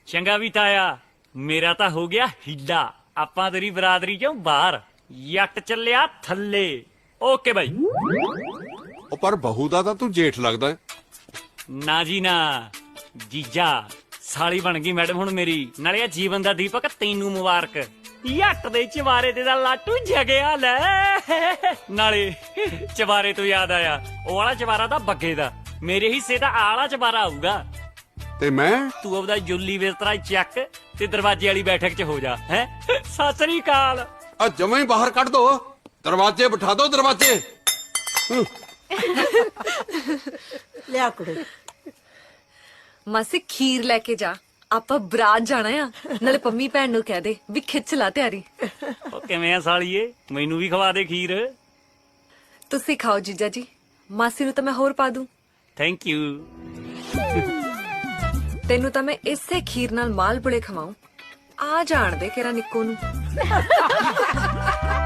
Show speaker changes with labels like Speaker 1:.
Speaker 1: ਚੰਗਾ ਵੀ ਤਾਇਆ, ਮੇਰਾ ਤਾਂ ਹੋ ਗਿਆ ਹੀਲਾ। ਆਪਾਂ ਤੇਰੀ ਬਰਾਦਰੀ ਚੋਂ ਬਾਹਰ, ਜੱਟ ਚੱਲਿਆ ਥੱਲੇ। Okay bye.
Speaker 2: ਉਹ ਪਰ ਬਹੂ ਦਾ ਤਾਂ ਤੂੰ ਜੇਠ ਲੱਗਦਾ ਹੈ।
Speaker 1: ਨਾ ਜੀ ਨਾ, ਜੀਜਾ ਸਾਲੀ ਬਣ ਗਈ ਮੈਡਮ ਹੁਣ ਮੇਰੀ। ਨਾਲੇ ਆ ਜੀਵਨ ਦਾ ਦੀਪਕ ਤੈਨੂੰ ਮੁਬਾਰਕ। ਜੱਟ ਦੇ ਚਵਾਰੇ ਤੇ ਦਾ ਲਾਟੂ ਜਗਿਆ ਲੈ। ਨਾਲੇ ਚਵਾਰੇ ਤੋਂ ਯਾਦ ਆਇਆ, ਉਹ ਵਾਲਾ ਚਵਾਰਾ ਤਾਂ ਬੱਗੇ ਦਾ, ਮੇਰੇ ਹਿੱਸੇ ਦਾ ਆਲਾ ਚਵਾਰਾ ਆਊਗਾ।
Speaker 2: ਤੇ ਮੈਂ
Speaker 1: ਤੂੰ ਆਪਦਾ ਜੁੱਲੀ ਬਿਸਤਰਾ ਚੱਕ ਤੇ ਦਰਵਾਜ਼ੇ ਵਾਲੀ ਬੈਠਕ 'ਚ ਹੋ ਜਾ। ਹੈ ਸਤਿ ਸ੍ਰੀ ਅਕਾਲ।
Speaker 2: ਆ ਜਮਾਂ ਹੀ ਬਾਹਰ ਕੱਢ ਦੋ, ਦਰਵਾਜ਼ੇ ਬਿਠਾ ਦੋ ਦਰਵਾਜ਼ੇ।
Speaker 3: ਲਿਆ ਕੁੜੇ।
Speaker 4: ਮਾਸੀ ਖੀਰ ਲੈ ਕੇ ਜਾ, ਆਪਾਂ ਬਰਾਤ ਜਾਣਾ ਆ। ਨਾਲੇ ਪੰਮੀ ਭੈਣ ਨੂੰ ਕਹਿ ਦੇ ਵੀ ਖਿੱਚ ਲਾ ਤਿਆਰੀ।
Speaker 1: ਉਹ ਕਿਵੇਂ ਆ ਸਾਲੀਏ, ਮੈਨੂੰ ਵੀ ਖਵਾ ਦੇ ਖੀਰ।
Speaker 4: ਤੁਸੀਂ ਖਾਓ ਜੀਜਾ ਜੀ, ਮਾਸੀ ਨੂੰ ਤਾਂ ਮੈਂ ਹੋਰ ਪਾ ਦੂੰ।
Speaker 1: Thank you.
Speaker 4: ਤੈਨੂੰ ਤਾਂ ਮੈਂ ਇਸੇ ਖੀਰ ਨਾਲ ਮਾਲ ਪੁੜੇ ਖਵਾਉਂ। ਆ ਜਾਣ ਦੇ ਕਿਹੜਾ ਨਿੱਕੋ ਨੂੰ।